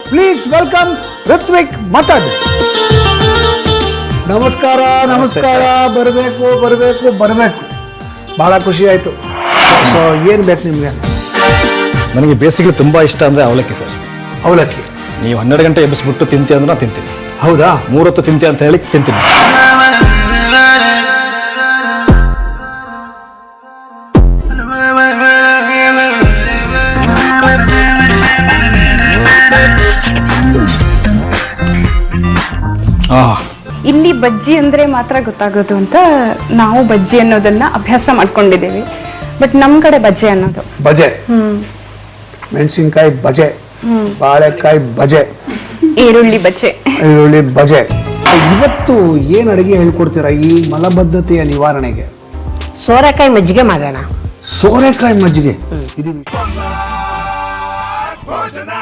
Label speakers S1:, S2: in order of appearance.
S1: Please welcome Ritwik ಮತಡ್. ನಮಸ್ಕಾರ ನಮಸ್ಕಾರ. ಬರಬೇಕು ಭಾಳ ಖುಷಿ ಆಯಿತು. ಸೊ ಏನು ಬೇಕು ನಿಮಗೆ?
S2: ನನಗೆ ಬೇಸಿಗೆ ತುಂಬ ಇಷ್ಟ ಅಂದರೆ ಅವಲಕ್ಕಿ ಸರ್.
S1: ಅವಲಕ್ಕಿ
S2: ನೀವು 12 ಗಂಟೆ ಎಬ್ಬಿಸ್ಬಿಟ್ಟು ತಿಂತಿ ಅಂದ್ರೆ ನಾನು ತಿಂತೀನಿ.
S1: ಹೌದಾ?
S2: 3 ಹೊತ್ತು ತಿಂತಿ ಅಂತ ಹೇಳಿ ತಿಂತೀನಿ.
S3: ಇಲ್ಲಿ ಬಜ್ಜಿ ಅಂದ್ರೆ ಮಾತ್ರ ಗೊತ್ತಾಗೋದು ಅಂತ ನಾವು ಬಜ್ಜಿ ಅನ್ನೋದನ್ನ ಅಭ್ಯಾಸ ಮಾಡ್ಕೊಂಡಿದ್ದೀವಿ. ಬಟ್ ನಮ್ ಕಡೆ ಬಜ್ಜೆ ಅನ್ನೋದು
S1: ಬಜೆ, ಮೆಣಸಿನ್ಕಾಯಿ ಬಜೆ, ಬಾಳೆಕಾಯಿ ಬಜೆ,
S3: ಈರುಳ್ಳಿ
S1: ಬಜೆ. ಇವತ್ತು ಏನು ಅಡುಗೆ ಹೇಳ್ಕೊಡ್ತೀರಾ ಈ ಮಲಬದ್ಧತೆಯ ನಿವಾರಣೆಗೆ?
S4: ಸೋರೆಕಾಯಿ ಮಜ್ಜಿಗೆ ಮಾಡೋಣ.
S1: ಸೋರೆಕಾಯಿ ಮಜ್ಜಿಗೆ ಇದು